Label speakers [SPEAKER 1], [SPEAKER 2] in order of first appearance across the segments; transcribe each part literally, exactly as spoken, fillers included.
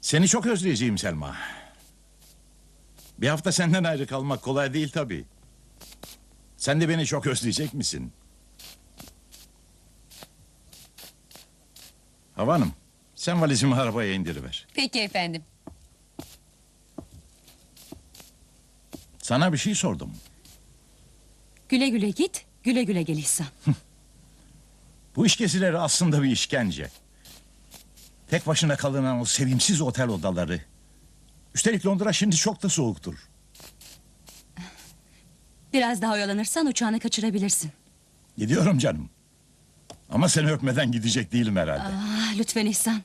[SPEAKER 1] Seni çok özleyeceğim Selma. Bir hafta senden ayrı kalmak kolay değil tabii. Sen de beni çok özleyecek misin? Hava Hanım, sen valizimi arabaya indiriver.
[SPEAKER 2] Peki efendim.
[SPEAKER 1] Sana bir şey sordum.
[SPEAKER 3] Güle güle git, güle güle gel İhsan.
[SPEAKER 1] Bu iş gezileri aslında bir işkence. Tek başına kalınan o sevimsiz otel odaları. Üstelik Londra şimdi çok da soğuktur.
[SPEAKER 3] Biraz daha oyalanırsan uçağını kaçırabilirsin.
[SPEAKER 1] Gidiyorum canım. Ama seni öpmeden gidecek değilim herhalde.
[SPEAKER 3] Ah, lütfen İhsan.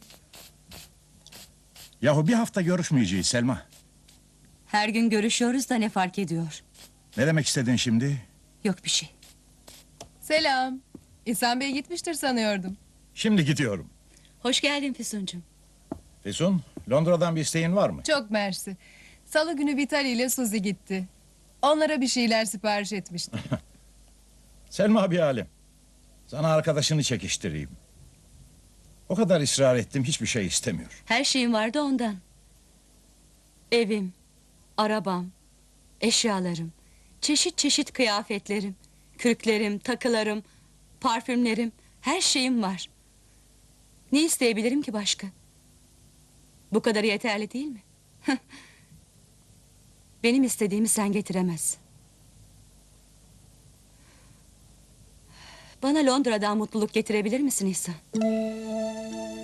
[SPEAKER 1] Yahu bir hafta görüşmeyeceğiz Selma.
[SPEAKER 3] Her gün görüşüyoruz da ne fark ediyor?
[SPEAKER 1] Ne demek istedin şimdi?
[SPEAKER 3] Yok bir şey.
[SPEAKER 2] Selam. İhsan Bey gitmiştir sanıyordum.
[SPEAKER 1] Şimdi gidiyorum.
[SPEAKER 3] Hoş geldin Füsuncuğum.
[SPEAKER 1] Füsun, Londra'dan bir isteğin var mı?
[SPEAKER 2] Çok mersi. Salı günü Vitali ile Suzi gitti. Onlara bir şeyler sipariş etmiştim.
[SPEAKER 1] Selma bir alem. Sana arkadaşını çekiştireyim. O kadar ısrar ettim, hiçbir şey istemiyor.
[SPEAKER 3] Her şeyim vardı ondan. Evim, arabam, eşyalarım, çeşit çeşit kıyafetlerim, kürklerim, takılarım, parfümlerim, her şeyim var. Ne isteyebilirim ki başka? Bu kadarı yeterli değil mi? Benim istediğimi sen getiremezsin. Bana Londra'dan mutluluk getirebilir misin İhsan?